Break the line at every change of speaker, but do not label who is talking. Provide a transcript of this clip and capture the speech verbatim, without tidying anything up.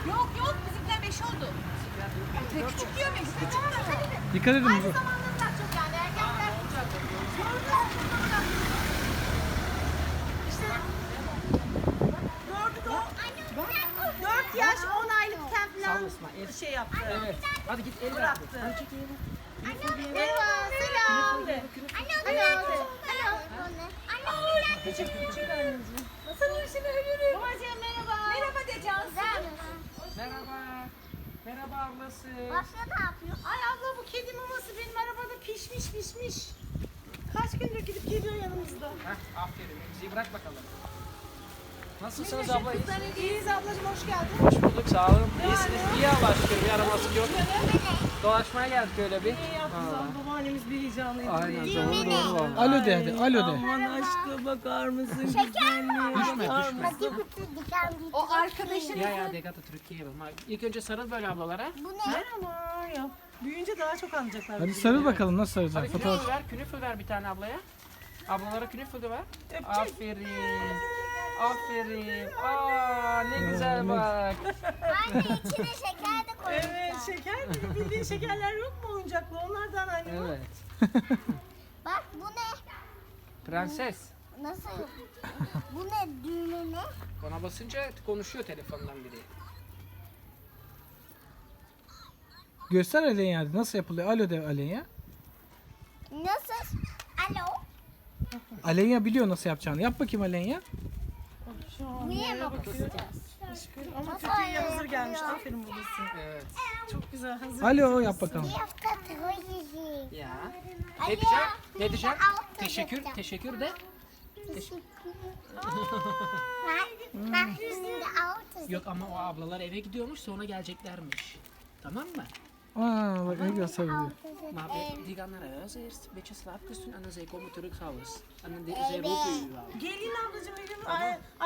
Yok yok bizimkiler beş oldu. Ve küçük diyor beş. Küçük diyor.
Dikkat edin.
Aynı
bu-
zamanda daha çok yani erkekler. İşte dördü de o. Dört yaş on aylıkken falan şey yaptı.
Evet. Hadi git el
Bıraktı.
Hadi çek elini.
Merhaba selam.
Küçük küçük anneciğim.
Sana işini ölürüm. Babacığım merhaba. Merhaba de Cansu.
Merhaba. Merhaba ablası.
Başka ne yapıyor?
Ay abla bu kedi maması benim arabada pişmiş pişmiş. Kaç gündür gidip geliyor yanımızda.
Heh, aferin. Bizi bırak bakalım. Nasılsınız abla? İyisiniz?
İyiyiz ablacığım hoş geldin.
Hoş bulduk. Sağ olun. İyisiniz. İyi Allah'a şükür. Bir araması yok. Dolaşmaya geldik öyle bir.
İyi yaptınız abla babaannemiz bir heyecanlıydı.
Aynen.
İyi.
Doğru doğru valla.
Alo de hadi. Alo de.
Aman aşkına bakar mısın?
Şeker mi?
Düşme düşme.
Hadi kutu diken bir
O arkadaşın.
Ya ya Degata Türkiye'ye bak. İlk önce sarıl böyle ablalara.
Bu ne?
Merhaba ya. Büyüyünce daha çok anlayacaklar.
Hadi
bizi.
sarıl bakalım nasıl
Hadi
saracaksın?
künefül
Fotoğraf.
ver. Künefül ver bir tane ablaya. Ablalara künefül de ver.
Öpecek.
Aferin. Aferin. Aa ne güzel bak.
Anne içine şeker de koymuş.
Evet şeker mi? Bildiğin şekerler yok mu oyuncaklı? Onlardan anne bu.
Evet.
Bak bu ne?
Prenses.
Nasıl? Bu ne? Düğme ne?
Ona basınca konuşuyor telefondan biri.
Göster Alenya hadi. Nasıl yapılıyor? Alo de Alenya.
Nasıl? Alo?
Alenya biliyor nasıl yapacağını. Yap bakayım Alenya.
Şu an
Niye
nereye
mi
bakıyor? Aşkım. Ama
Nasıl
kötüye
öyle
hazır gelmiş.
yapıyor?
Aferin babası.
Evet.
Çok güzel hazır.
Alo yap bakalım.
Bir hafta koyacağım.
Ya.
Alo.
Ne diyeceğim? Ne diyeceğim?
Altı
Teşekkür.
yapacağım.
Teşekkür de.
Bak, bak üstünde altı.
Yok ama o ablalar eve gidiyormuş sonra geleceklermiş. Tamam mı?
Aa bak ne güzel sarılıyor.
Maar we, die gaan naar huis eerst, een beetje slaapjes doen en dan zij komen terug s'avonds. En dan de- zij roepen u wel.
Gelin ablacığım evim. Ay,